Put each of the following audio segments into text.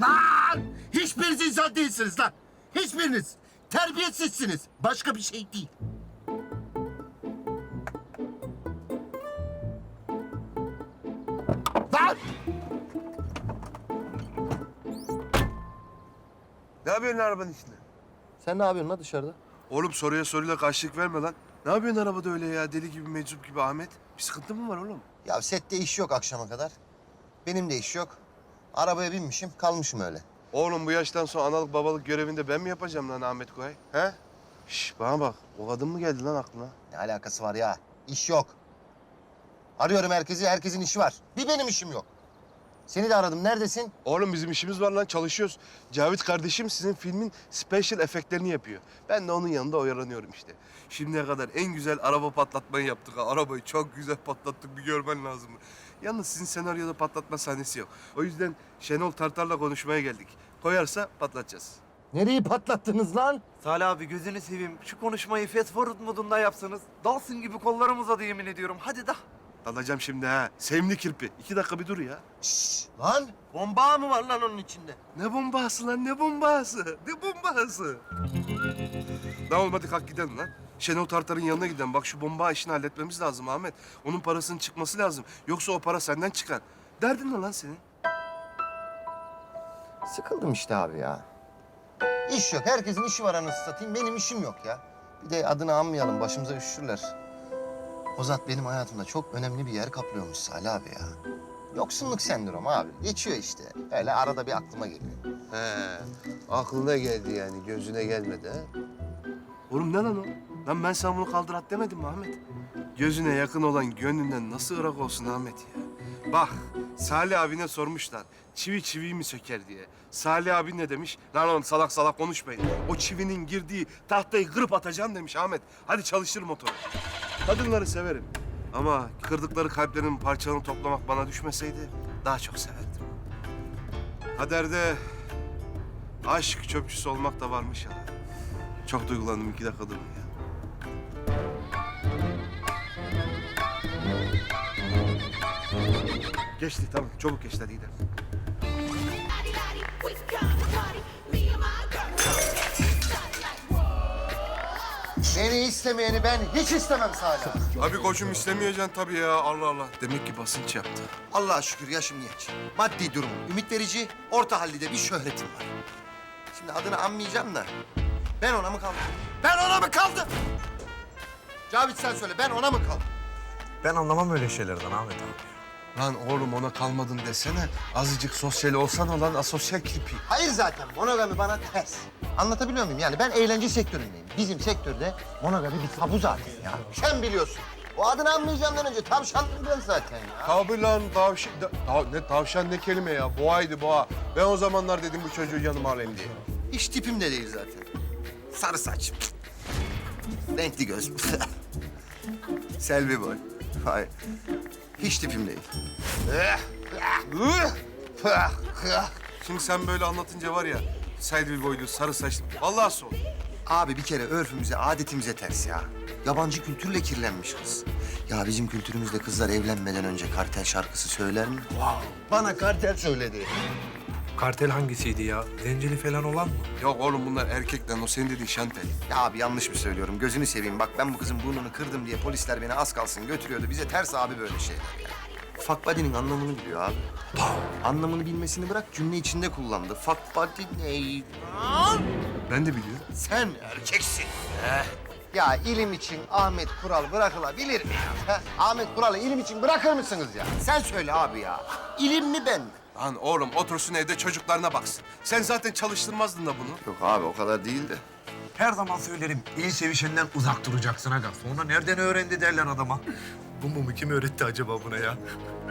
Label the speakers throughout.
Speaker 1: Lan! Hiçbiriniz insan değilsiniz lan. Hiçbiriniz. Terbiyesizsiniz. Başka bir şey değil. Lan!
Speaker 2: Ne yapıyorsun arabanın içinde?
Speaker 3: Sen ne yapıyorsun lan dışarıda?
Speaker 2: Oğlum soruya soruyla karşılık verme lan. Ne yapıyorsun arabada öyle ya? Deli gibi, meczup gibi Ahmet. Bir sıkıntı mı var oğlum?
Speaker 3: Ya sette iş yok akşama kadar. Benim de iş yok. Arabaya binmişim, kalmışım öyle.
Speaker 2: Oğlum bu yaştan sonra analık babalık görevinde ben mi yapacağım lan Ahmet Koray? He? Şş bana bak. O kadın mı geldi lan aklına?
Speaker 3: Ne alakası var ya? İş yok. Arıyorum herkesi, herkesin işi var. Bir benim işim yok. Seni de aradım, neredesin?
Speaker 2: Oğlum bizim işimiz var lan, çalışıyoruz. Cavit kardeşim sizin filmin special efektlerini yapıyor. Ben de onun yanında oyalanıyorum işte. Şimdiye kadar en güzel araba patlatmayı yaptık ha. Arabayı çok güzel patlattık, bir görmen lazım. Yalnız sizin senaryoda patlatma sahnesi yok. O yüzden Şenol Tartar'la konuşmaya geldik. Koyarsa patlatacağız.
Speaker 3: Nereyi patlattınız lan?
Speaker 4: Salih abi gözünü seveyim. Şu konuşmayı fast forward modunda yapsanız. Dalsın gibi kollarım uzadı yemin ediyorum. Hadi da.
Speaker 2: Dalacağım şimdi ha. Sevimli kirpi. 2 dakika bir dur ya.
Speaker 3: Şşş, lan bomba mı var lan onun içinde?
Speaker 2: Ne bombası lan, ne bombası? Ne bombası? Lan olmadı, kalk gidelim lan. Şenol Tartar'ın yanına gidelim. Bak şu bomba işini halletmemiz lazım Ahmet. Onun parasının çıkması lazım. Yoksa o para senden çıkar. Derdin ne lan senin?
Speaker 3: Sıkıldım işte abi ya. İş yok, herkesin işi var anasını satayım. Benim işim yok ya. Bir de adını anmayalım, başımıza üşüşürler. O zat benim hayatımda çok önemli bir yer kaplıyormuş Salih abi ya. Yoksunluk sendromu abi. Geçiyor işte. Öyle arada bir aklıma geliyor.
Speaker 2: He, aklına geldi yani, gözüne gelmedi ha? Oğlum ne lan o? Lan ben sana bunu kaldır at demedim mi Ahmet? Gözüne yakın olan gönlünden nasıl ırak olsun Ahmet ya? Bak, Salih abine sormuşlar. Çivi çiviyi mi söker diye. Salih abi ne demiş? Lan oğlum salak salak konuşmayın. O çivinin girdiği tahtayı kırıp atacaksın demiş Ahmet. Hadi çalıştır motoru. Kadınları severim. Ama kırdıkları kalplerin parçalarını toplamak bana düşmeseydi daha çok severdim. Kaderde aşk çöpçüsü olmak da varmış ya. Çok duygulandım, 2 dakika durun ya. Geçti tamam, çabuk geçti, hadi gidelim.
Speaker 3: Beni istemeyeni ben hiç istemem Salih abi.
Speaker 2: Abi koçum istemeyeceksin tabii ya, Allah Allah. Demek ki basınç yaptı.
Speaker 3: Allah'a şükür yaşım genç. Maddi durumum ümit verici, orta hallide bir şöhretim var. Şimdi adını anmayacağım da ben ona mı kaldım? Ben ona mı kaldım? Cavit sen söyle, ben ona mı kaldım?
Speaker 4: Ben anlamam öyle şeylerden Ahmet abi.
Speaker 2: Lan oğlum ona kalmadın desene. Azıcık sosyal olsan lan, asosyal kirpi.
Speaker 3: Hayır zaten monogami bana ters. Anlatabiliyor muyum? Yani ben eğlence sektöründeyim. Bizim sektörde monogami bir tabu zaten ya. Sen biliyorsun. O adını anmayacağımdan önce tavşandım ben zaten ya.
Speaker 2: Tabii lan tavşan, ne tavşan ne kelime ya, boğaydı boğa. Ben o zamanlar dedim bu çocuğu yanıma alayım diye.
Speaker 3: Hiç tipim de değil zaten. Sarı saç. Renkli göz. Selvi boy. Hayır. Hiç tipim değil.
Speaker 2: Şimdi sen böyle anlatınca var ya, Selvi boylu, sarı saçlı, vallahi soğuk.
Speaker 3: Abi bir kere örfümüze, adetimize ters ya. Yabancı kültürle kirlenmiş kız. Ya bizim kültürümüzde kızlar evlenmeden önce kartel şarkısı söyler mi? Bana kartel söyledi.
Speaker 5: Kartel hangisiydi ya? Zenceli falan olan mı?
Speaker 2: Yok oğlum bunlar erkekten, o senin dediğin şantel.
Speaker 3: Ya abi yanlış mı söylüyorum? Gözünü seveyim. Bak ben bu kızın burnunu kırdım diye polisler beni az kalsın götürüyordu. Bize ters abi böyle şeyler ya. Fuck buddy'nin anlamını biliyor abi. Anlamını bilmesini bırak, cümle içinde kullandı. Fuck buddy ne?
Speaker 2: Ben de biliyorum.
Speaker 3: Sen erkeksin. Ya ilim için Ahmet Kural bırakılabilir mi ya? Ahmet Kural'ı ilim için bırakır mısınız ya? Sen söyle abi ya. İlim mi ben mi?
Speaker 2: Lan oğlum otursun evde çocuklarına baksın. Sen zaten çalıştırmazdın da bunu.
Speaker 3: Yok abi o kadar değil de.
Speaker 5: Her zaman söylerim. İyi sevişenden uzak duracaksın aga. Sonra nereden öğrendi derler adama. Bu mumu kim öğretti acaba buna ya?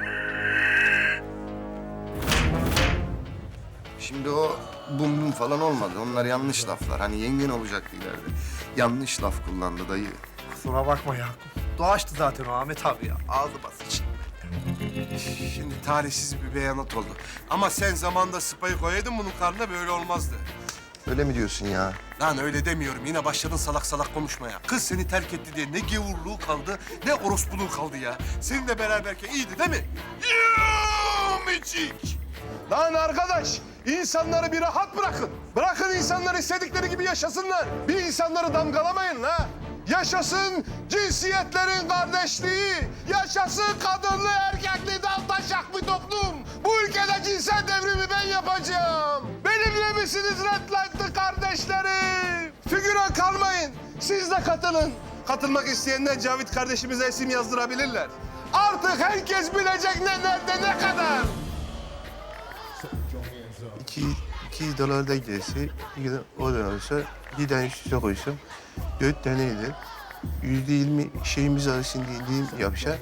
Speaker 3: Şimdi o bum bum falan olmadı. Onlar yanlış laflar. Hani yengen olacaktı ileride. Yanlış laf kullandı dayı.
Speaker 5: Kusura bakma ya. Doğaçtı zaten o Ahmet abi ya. Ağzı basık.
Speaker 2: Şimdi talihsiz bir beyanat oldu. Ama sen zamanda sıpayı koyaydın bunun karnına, böyle olmazdı.
Speaker 3: Öyle mi diyorsun ya?
Speaker 2: Lan öyle demiyorum. Yine başladın salak salak konuşmaya. Kız seni terk etti diye ne gevurluğu kaldı, ne orospuluğu kaldı ya. Seninle beraberken iyiydi değil mi? Miçik! Lan arkadaş, İnsanları bir rahat bırakın. Bırakın insanlar istedikleri gibi yaşasınlar. Bir insanları damgalamayın la. Yaşasın cinsiyetlerin kardeşliği. Yaşasın kadınlı erkekli daltaşak bir toplum. Bu ülkede cinsel devrimi ben yapacağım. Benimle misiniz Redlight'lı kardeşlerim? Figüran kalmayın. Siz de katılın. Katılmak isteyenler Cavit kardeşimize isim yazdırabilirler. Artık herkes bilecek ne nerede ne kadar. 2 dolar da giderse, o da olsa bir tane üstüne koysam 4 taneydi. %20 şeyimiz arasında indiğim yapsa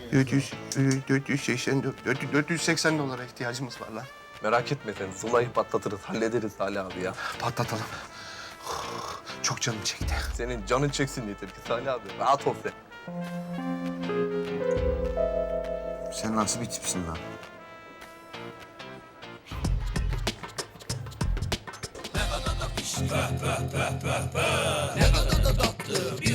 Speaker 2: 480 dolara ihtiyacımız var lan.
Speaker 6: Merak etme sen. Zula'yı patlatırız, hallederiz Salih abi ya.
Speaker 2: Patlatalım. Çok canım çekti.
Speaker 6: Senin canın çeksin yeter ki Salih abi. Rahat ol sen.
Speaker 3: Sen nasıl bir tipsin lan?
Speaker 7: Ne kadar da tatlı bir